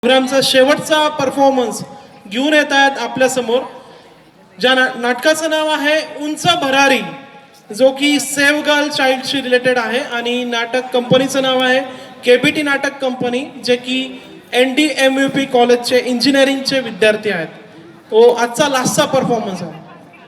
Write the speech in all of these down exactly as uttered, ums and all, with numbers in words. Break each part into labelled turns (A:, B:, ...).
A: प्रोग्रामचा शेवटचा परफॉर्मन्स घेऊन येत आहेत आपल्यासमोर. ज्या ना नाटकाचं नाव आहे उंच भरारी, जो की सेव्ह गर्ल चाइल्डशी रिलेटेड आहे. आणि नाटक कंपनीचं नाव आहे केबीटी नाटक कंपनी, जे की N D M U P कॉलेजचे इंजिनिअरिंगचे विद्यार्थी आहेत. तो आजचा लास्टचा परफॉर्मन्स आहे.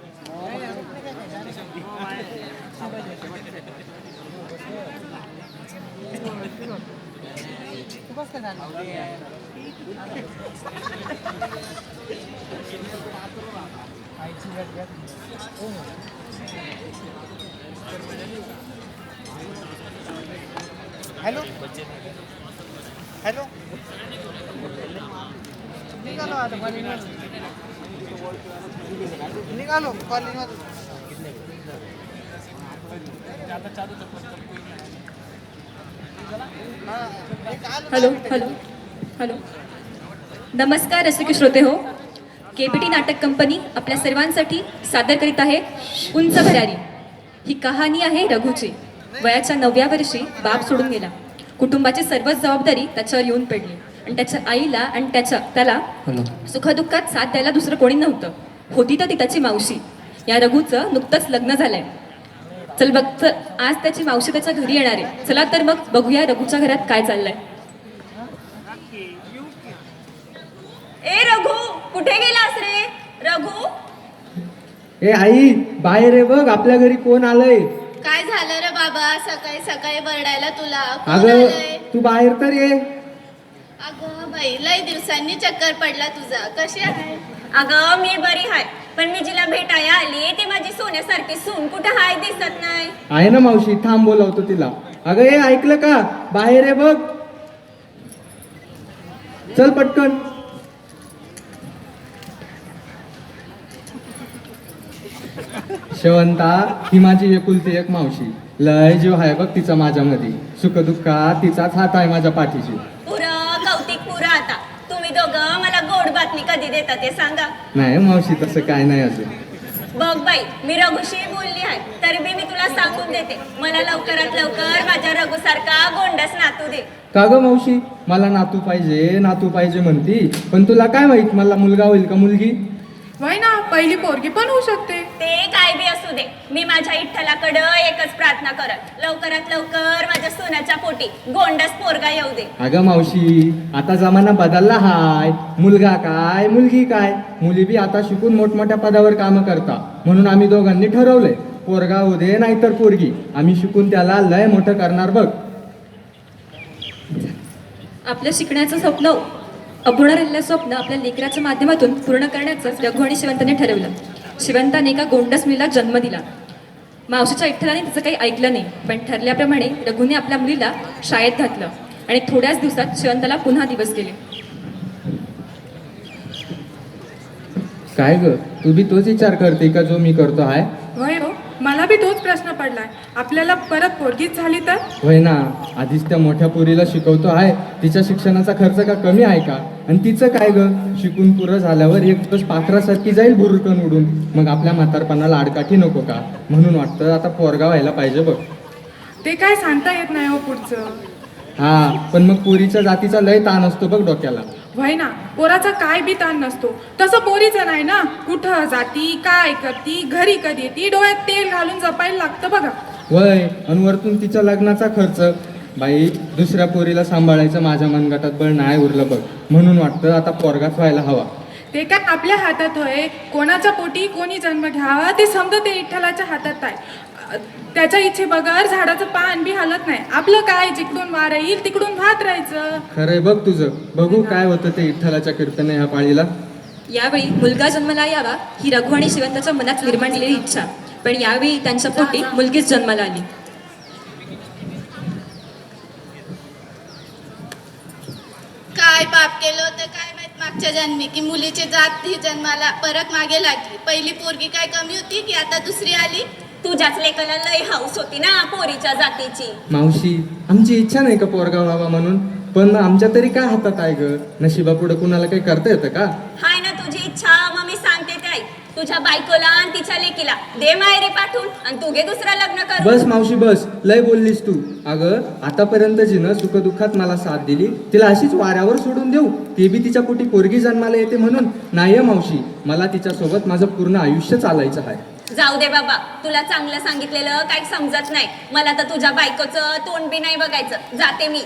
B: हॅलो हॅलो निघालो आता कॉलेजमधून निघालो कॉलेजमधून
C: हॅलो हॅलो हॅलो नमस्कार रसिक श्रोते हो. केबीटी नाटक कंपनी आपल्या सर्वांसाठी सादर करीत आहे उंच भरारी. ही कहाणी आहे रघुची. वयाच्या नवव्या वर्षी बाप सोडून गेला. कुटुंबाची सर्वच जबाबदारी त्याच्यावर येऊन पडली आणि त्याच्या आईला आणि त्याच्या त्याला सुखदुःखात साथ द्यायला दुसरं कोणी नव्हतं. होती तर ती त्याची मावशी. या रघुचं नुकतंच लग्न झालंय. चल बघ चल, आज त्याची मावशी त्याच्या घरी येणार आहे. चला तर मग बघूया रघुच्या घरात काय चाललंय. ए रघु, कुठे गेलास रे रघु?
D: ए आई, बाहेर आहे बघ, आपल्या घरी कोण आलंय.
E: काय झालं रे बाबा, सकाळी सकाळी बरडायला तुला? कोण
D: अगं
E: आलंय?
D: तू बाहेर तर ये.
E: अगं बाई, लय दिवसांनी चक्कर पडला तुझा. कशी आहे?
C: अगं मी बरी हाय, पण मी जिला भेटायला आली ती माझी सोन्यासारखी सून कुठं हाय दिसत नाही.
D: आहे ना मावशी, थांब बोलावतो तिला. अगं ए, ऐकलं का? बाहेर आहे बघ, चल पटकन. शेवंता ही माझी एकुलती एक मावशी. लय जीव आहे बघ तिचा माझ्यामध्ये. सुखदुःखात तिचाच हात आहे माझ्या पाठीशी.
C: पुरं कौतिक पुरं. आता तुम्ही दोघं मला गोड बातमी कधी देता ते सांगा.
D: नाही मावशी, तसं काय नाही अजून.
C: बघ बाई, मी रघुशी बोलली आहे तरी बी मी तुला सांगून देते, मला लवकरात लवकर माझ्या रघुसारखा गोंडस नातू दे.
D: का ग मावशी, मला नातू पाहिजे नातू पाहिजे म्हणती, पण तुला काय माहित मला मुलगा होईल का मुलगी?
F: वय ना, पहिली पोरगी पण होऊ शकते.
C: ते काय बी असू दे, मी माझ्या इठ्ठलाकडं एकच प्रार्थना करत, लवकरात लवकर माझ्या सोन्याच्या पोटी गोंडस पोरगा येऊ दे.
D: अगं मावशी, आता जमाना बदलला हाय. मुलगा काय मुलगी काय, मुली बी आता शिकून मोठमोठ्या पदावर काम करता. म्हणून आम्ही दोघांनी ठरवलंय, पोरगा होऊ दे नाहीतर पोरगी, आम्ही शिकून त्याला लय मोठं करणार बघ.
C: आपलं शिकण्याचं स्वप्न, अपूर्ण राहिलेलं स्वप्न आपल्या लेकराच्या माध्यमातून पूर्ण करण्याचं रघु आणि शिवंताने ठरवलं. शिवंताने एका गोंडस मुलीला जन्म दिला. मावशीच्या इठ्ठलाने तिचं काही ऐकलं नाही, पण ठरल्याप्रमाणे रघुने आपल्या मुलीला शाळेत घातलं आणि थोड्याच दिवसात शिवंताला पुन्हा दिवस गेले.
D: काय ग, तू बी तोच विचार करते का जो मी करतो आहे?
F: वय हो, मला बी तोच प्रश्न पडलाय. आपल्याला परत पोरगीच झाली तर?
D: होय ना, आधीच त्या मोठ्या पोरीला शिकवतो आहे. तिच्या शिक्षणाचा खर्च का कमी आहे का? आणि तिचं काय ग, शिकून पुरं झाल्यावर एक दिवस पाखरासारखी जाईल बुरुकन उडून. मग आपल्या म्हातारपणाला आडकाठी नको का? म्हणून वाटतं आता पोरगा व्हायला पाहिजे बघ.
F: ते काय सांगता येत नाही हो पुढचं.
D: हा, पण मग पोरीच्या जातीचा लय ताण असतो बघ डोक्याला.
F: वय ना, पोराचा काय बी ताण नसतो, तसं पोरीचं नाही ना. कुठं जाती, काय करती, घरी कधी येते, डोळ्यात तेल घालून जपायला लागतं बघा.
D: वय, आणि वरतून तिच्या लग्नाचा खर्च. बाई, दुसऱ्या पोरीला सांभाळायचं माझ्या मनगटात बळ नाही उरलं बघ. म्हणून वाटतं आता पोरगाच व्हायला हवा.
F: ते काय आपल्या हातात होय, कोणाच्या पोटी कोणी जन्म घ्यावा ते समजा ते विठ्ठलाच्या हातात आहे. त्याच्या इच्छे बगर झाडाचं पान बी हलत नाही. आपलं काय, जिकडून वार येईल तिकडून भात राहायचं.
D: खरंय बघ तुझं. बघू काय होतं ते विठ्ठलाच्या कीर्तने ह्या पाळीला.
C: यावेळी मुलगा जन्माला यावा ही रघु आणि शिवंताच्या मनात निर्माण झालेली इच्छा, पण यावेळी त्यांच्या पोटी मुलगीच जन्माला आली.
E: काय पाप केलं होतं काय माहित मागच्या जन्मी, की मुलीची जात ही जन्माला परत मागे लागली. पहिली पोरगी काय कमी होती की आता दुसरी आली?
C: तुझ्याच लेकाला लय हाऊस होती ना पोरीच्या जातीची.
D: मावशी, आमची इच्छा नाही का पोरगा व्हावा म्हणून, पण आमच्या तरी काय हातात आहे ग? नशिबा पुढे कुणाला काही करता येतं का?
C: हाय ना तुझी इच्छा, मग मी सांगते ते
G: नाही. तुझ्या बायकोला आणि तिच्या लेकीला दे माहेरी पाठवून आणि तू घे दुसरं लग्न कर.
D: बस मावशी बस, लय बोललीस तू. अगं आतापर्यंत जिनं सुखदुःखात मला साथ दिली तिला अशीच वाऱ्यावर सोडून देऊ? ते बी तिच्या पोटी पोरगी जन्माला येते म्हणून नाही मावशी, मला तिच्यासोबत माझं पूर्ण आयुष्य चालायचं आहे.
G: जाऊ दे बाबा, तुला चांगलं सांगितलेलं काही समजत नाही. मला तर तुझ्या बायकोचं तोंड बी नाही बघायचं. जाते मी.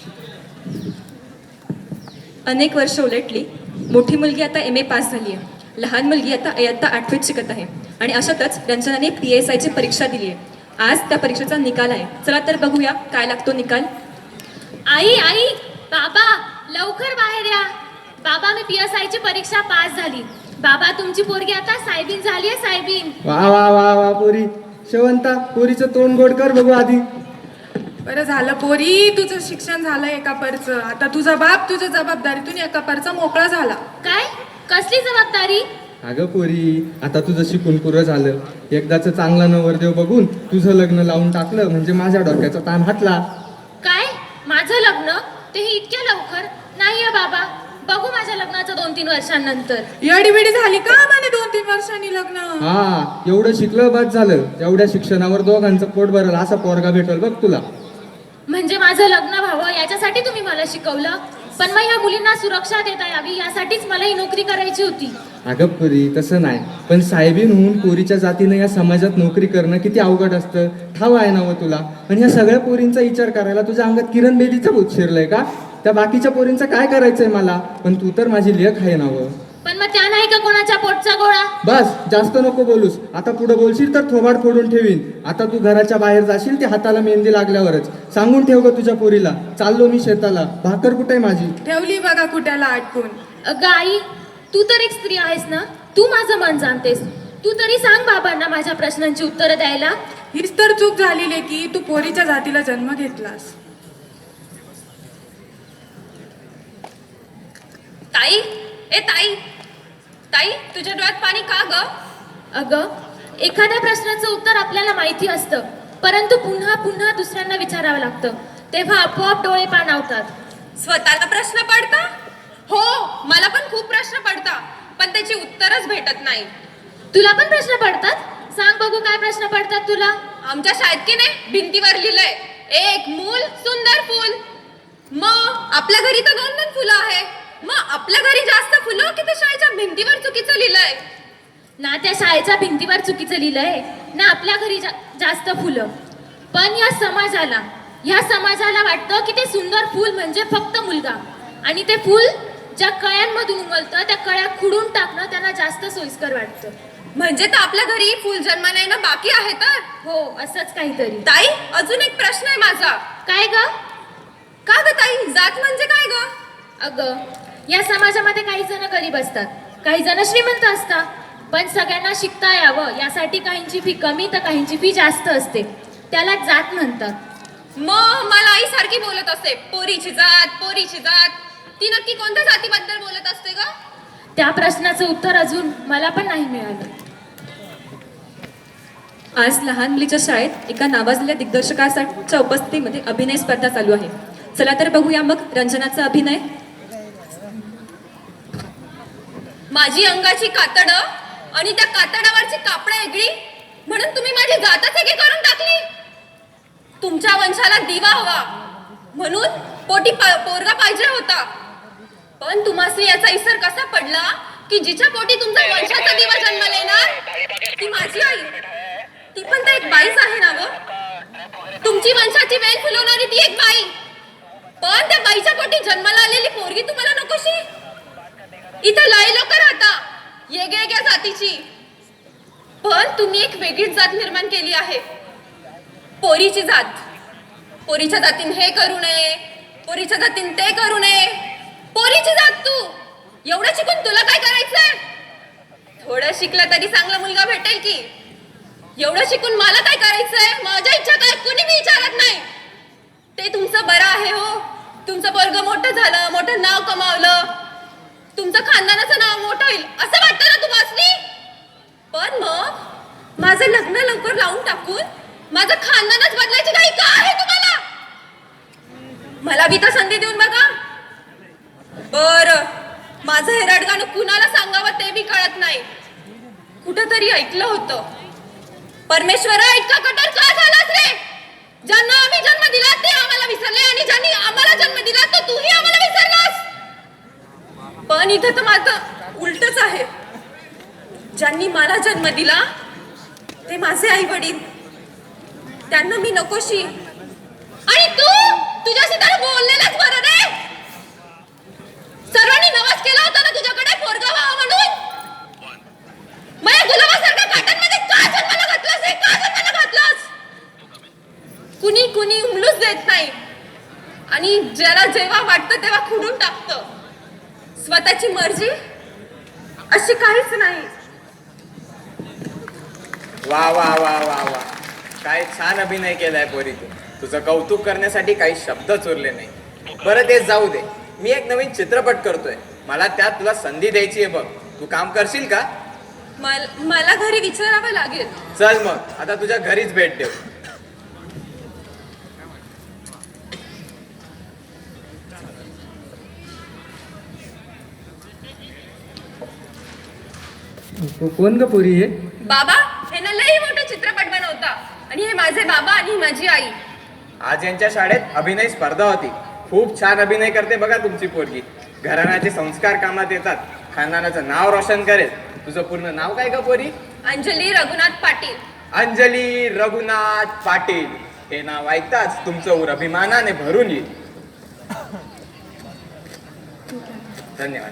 C: अनेक वर्ष उलटली. मोठी मुलगी आता एम ए पास झाली आहे. लहान मुलगी आता इयत्ता आठवीत शिकत आहे. आणि अशातच रंजनाने पी एस आयची परीक्षा दिली आहे. आज त्या परीक्षेचा निकाल आहे. चला तर बघूया काय लागतो निकाल.
H: आई आई बाबा लवकर बाहेर या. बाबा मी पी एस आय ची परीक्षा पास झाली. बाबा तुमची पोरगी आता साहेबीन झाली आहे. साहेबीन.
D: वा वा वा वा पोरी. शेवंता पोरीचं तोंड गोड कर बघू आधी.
F: बरं झालं पोरी, तुझं शिक्षण झालं एका परचं. आता तुझा बाप तुझ्या जबाबदारीतून एका परचा मोकळा झाला.
H: काय कसली जबाबदारी?
D: अगं पोरी, आता तुझं शिकून पुरं झालं. एकदाच चांगला नवरदेव बघून तुझं लग्न लावून टाकलं म्हणजे माझ्या डोक्याचा ताण हटला.
H: काय माझं लग्न? तेही इतक्या लवकर? नाही आहे बाबा, बघू माझ्या लग्नाचं दोन तीन वर्षांनंतर.
F: येडीबिडी झाली का म्हणे दोन तीन वर्षांनी लग्न?
D: हा, एवढं शिकलं बस झालं. एवढ्या शिक्षणावर दोघांचं पोट भरल असा पोरगा भेटल बघ तुला.
H: म्हणजे माझं लग्न व्हावं याच्यासाठी तुम्ही मला शिकवलं. पण मग या मुलींना सुरक्षा देता यावी यासाठीच मला ही नोकरी करायची होती.
D: अगं पुरी तसं नाही, पण साहेबीन होऊन पोरीच्या जातीनं या समाजात नोकरी करणं किती अवघड असतं ठाव आहे ना व तुला. आणि या सगळ्या पोरींचा विचार करायला तुझ्या अंगात किरण बेदीचं भूत शिरलंय का? त्या बाकीच्या पोरींचं काय करायचंय मला? पण तू तर माझी लेख आहे ना व.
H: पण मग त्या नाही का कोणाच्या पोटचा गोळा?
D: बस जास्त नको बोलूस. आता पुढे बोलशील तर थोबाड फोडून ठेवीन. आता तू घराच्या बाहेर जाशील ते हाताला मेहंदी लागल्यावरच. सांगून ठेव ग तुझ्या पोरीला, चाललो मी शेताला. भाकर कुठे माझी?
F: ठेवली बघा कुठ्याला अटकून.
H: अगं आई, तू तर एक स्त्री आहेस ना, तू माझं मन जाणतेस. तू तरी सांग बाबांना माझ्या प्रश्नांची उत्तरं द्यायला.
F: हीच तर चूक झालेली की तू पोरीच्या जातीला जन्म घेतलास.
G: ताई, ए ताई, ताई तुझ्या डोळ्यात पाणी का ग?
H: अगं, एखाद्या प्रश्नाचं उत्तर आपल्याला माहिती असतं, परंतु पुन्हा पुन्हा दुसऱ्यांना विचारावं लागतं, तेव्हा आपोआप डोळे पाणावतात.
G: स्वतःला प्रश्न पडता? हो, मला पण खूप प्रश्न पडता, पण त्याची उत्तरच भेटत नाही.
H: तुला पण प्रश्न पडतात? सांग बघू काय प्रश्न पडतात तुला?
G: आमच्या शाळेत की नाही भिंतीवर लिहिलंय, एक मूल सुंदर फूल. मग आपल्या घरी तर दोन दोन फुलं आहे. मग आपल्या घरी जास्त फुलं की त्या शाळेच्या भिंतीवर चुकीचं लिहिलंय?
H: ना त्या शाळेच्या भिंतीवर चुकीचं लिहिलंय, ना आपल्या घरी जा, जास्त फुलं. पण या समाजाला या समाजाला वाटतं की ते सुंदर फूल म्हणजे फक्त मुलगा, आणि ते फूल ज्या कळ्यांमधून उमलतं त्या कळ्या खुडून टाकणं त्यांना जास्त सोयीस्कर वाटतं.
G: म्हणजे तर आपल्या घरी फुल जन्माला येणं बाकी आहे तर?
H: हो, असंच काहीतरी.
G: ताई, अजून एक प्रश्न आहे माझा.
H: काय ग?
G: का ग ताई, जात म्हणजे काय ग?
H: अगं, या समाजामध्ये काही जण गरीब असतात, काही जण श्रीमंत असतात, पण सगळ्यांना शिकता यावं यासाठी काहींची फी कमी तर काहींची फी जास्त असते, त्याला जात म्हणतात.
G: मग मला आई सारखी बोलत असते, पोरीची जात, पोरीची जात. ती नक्की कोणत्या जातीबद्दल बोलत असते ग?
H: त्या प्रश्नाचं उत्तर अजून मला पण नाही मिळालं.
C: आज लहान मुलीच्या शाळेत एका नावाजलेल्या दिग्दर्शकाच्या उपस्थितीमध्ये अभिनय स्पर्धा चालू आहे. चला तर बघूया मग रंजनाचा अभिनय.
G: माझी अंगाची कातड आणि त्या कातडावरची कापड वेगळी म्हणून तुम्ही माझी जातच एकी करून टाकली. तुमच्या वंशाला दिवा हवा म्हणून पोटी पोरगा पाहिजे होता, पण तुम्हाला याचा इसर कसा पडला की जिच्या पोटी तुमचा वंशाचा दिवा जन्माला येणार ती माझी आई. ती पण तर एक बाईच आहे ना व. तुमची वंशाची वेल फुलवणारी ती एक बाई, पण त्या बाईच्या पोटी जन्माला आलेली पोरगी तुम्हाला नकोशी. इथं लय लोक राहता वेगवेगळ्या जातीची, पण तुम्ही एक वेगळीच जात निर्माण केली आहे, पोरीची जात. पोरीच्या जातीन हे करू नये, पोरीच्या जातीन ते करू नये. पोरीची जात तू, एवढं शिकून तुला काय करायचंय? थोडं शिकलं तरी चांगला मुलगा भेटेल की. एवढं शिकून मला काय करायचंय, माझ्या इच्छा काय कुणी मी विचारत नाही. ते तुमचं बरं आहे हो, तुमचं पोरगं मोठं झालं, मोठं नाव कमावलं, तुमचं खानदानाचं नाव मोठं होईल असं वाटतं ना तुम्हाला. पण मग माझं लग्न लवकर लावून टाकून माझं खानदानच बदलायची काही का आहे तुम्हाला? मला बी तर संधी देऊन बघा. बर, माझं हे रडगाणं कुणाला सांगावं ते बी कळत नाही. कुठंतरी ऐकलं होतं, परमेश्वरा इतका कठोर का झालास रे? ज्यांना आम्ही जन्म दिला ते आम्हाला विसरले आणि ज्यांनी आम्हाला जन्म दिला तर तूही आम्हाला विसरलास. पण इथं तर माझं उलटच आहे. ज्यांनी मला जन्म दिला ते माझे आई वडील, त्यांना मी नकोशी. आणि तू तुझ्याशी तर बोललेलंच बरं रे. सर्वांनी नवाज केला होता ना तुझ्याकडे पोरगा व्हावा म्हणून. माझ्या गुलाबासारख्या काटांमध्ये का जन्माला घातलास रे? का जन्माला घातलास? कुणी कुणी उमलूच देत नाही आणि ज्याला जेव्हा वाटतं तेव्हा खुडून टाकतं. स्वतःची मर्जी अशी काहीच नाही.
I: वा वा वा वा वा, काय छान अभिनय केलाय पोरी तू. तुझं कौतुक करण्यासाठी काही शब्दच उरले नाही. बरं ते जाऊ दे, मी एक नवीन चित्रपट करतोय, मला त्यात तुला संधी द्यायची आहे बघ. तू काम करशील का?
G: मल- मला घरी विचारावं लागेल.
I: चल मग आता तुझ्या घरीच भेट देऊ.
D: को- कोण ग पोरी हे?
G: बाबा हे ना लई मोठा चित्रपट बनवता आणि हे माझे बाबा आणि ही माझी आई.
I: आज यांच्या शाळेत अभिनय स्पर्धा होती. खूप छान अभिनय करते बघा तुमची पोरगी. घराण्याचे संस्कार कामात येतात, खानदानाचं नाव रोशन करेल. तुझं पूर्ण नाव काय का पोरी?
G: अंजली रघुनाथ पाटील.
I: अंजली रघुनाथ पाटील. हे नाव ऐकताच तुमचं उर अभिमानाने भरून येईल. धन्यवाद.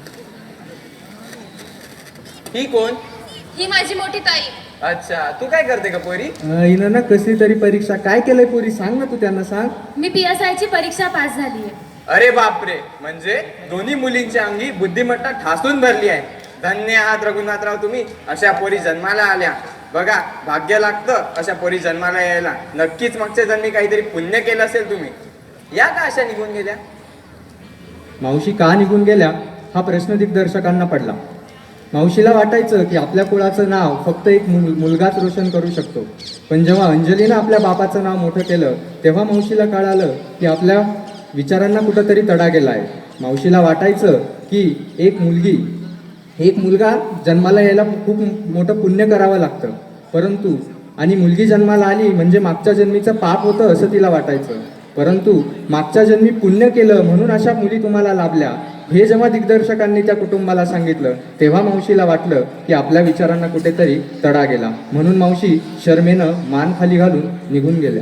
I: ही कोण?
G: ही माझी मोठी ताई.
I: अच्छा, तू काय करते का पोरी?
D: अं, हिनं ना कसली तरी परीक्षा काय केलंय पोरी, सांग ना तू त्यांना सांग.
H: मी पी एस आयची परीक्षा पास झाली आहे.
I: अरे बापरे, म्हणजे दोन्ही मुलींच्या अंगी बुद्धिमत्ता ठासून भरली आहे. धन्य आहात रघुनाथराव तुम्ही, अशा पोरी जन्माला आल्या. बघा भाग्य लागतं अशा पोरी जन्माला यायला. नक्कीच मागच्या जन्मी काहीतरी पुण्य केलं असेल तुम्ही. या का अशा निघून गेल्या?
D: मावशी का निघून गेल्या हा प्रश्न दिग्दर्शकांना पडला. मावशीला वाटायचं की आपल्या कुळाचं नाव फक्त एक मुल मुलगाच रोशन करू शकतो. पण जेव्हा अंजलीनं आपल्या बापाचं नाव मोठं केलं तेव्हा मावशीला कळालं की आपल्या विचारांना कुठंतरी तडा गेला आहे. मावशीला वाटायचं की एक मुलगी एक मुलगा जन्माला यायला खूप मोठं पुण्य करावं लागतं, परंतु आणि मुलगी जन्माला आली म्हणजे मागच्या जन्मीचं पाप होतं असं तिला वाटायचं. परंतु मागच्या जन्मी पुण्य केलं म्हणून अशा मुली तुम्हाला लाभल्या हे जेव्हा दिग्दर्शकांनी त्या कुटुंबाला सांगितलं तेव्हा मावशीला वाटलं की आपल्या विचारांना कुठेतरी तडा गेला. म्हणून मावशी शर्मेनं मान खाली घालून निघून गेल्या.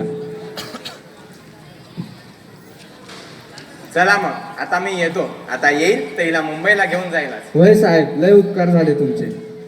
I: चला मग आता मी येतो. आता येईल तर हिला मुंबईला घेऊन जाईल.
D: होय साहेब, लय उपकार झाले तुमचे.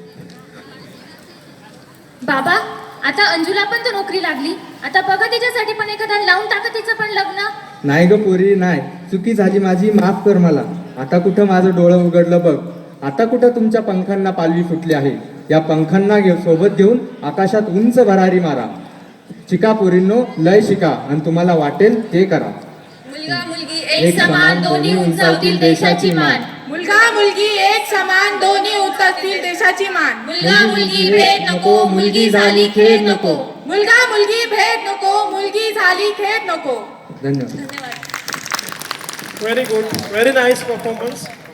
H: बाबा आता अंजुला पण तर नोकरी लागली, आता बघा तिच्यासाठी पण एखादा लावून टाका तिचं पण लग्न.
D: नाही ग पोरी नाही, चुकी झाली माझी, माफ कर मला. आता कुठं माझं डोळं उघडलं बघ. आता कुठं तुमच्या पंखांना पालवी फुटली आहे. या पंखांना घेऊ सोबत घेऊन आकाशात उंच भरारी मारा. शिका पोरींनो, लय शिका आणि तुम्हाला वाटेल ते करा.
G: मुलगा मुलगी एक समान दोन्ही उंचावतील देशाची मान.
F: मुलगा मुलगी एक समान दोन्ही उतरतील देशाची मान.
G: मुलगा मुलगी भेद नको, मुलगी झाली खेद नको.
F: मुलगा मुलगी भेद नको, मुलगी झाली खेद नको.
D: धन्यवाद.
A: Very good, very nice performance.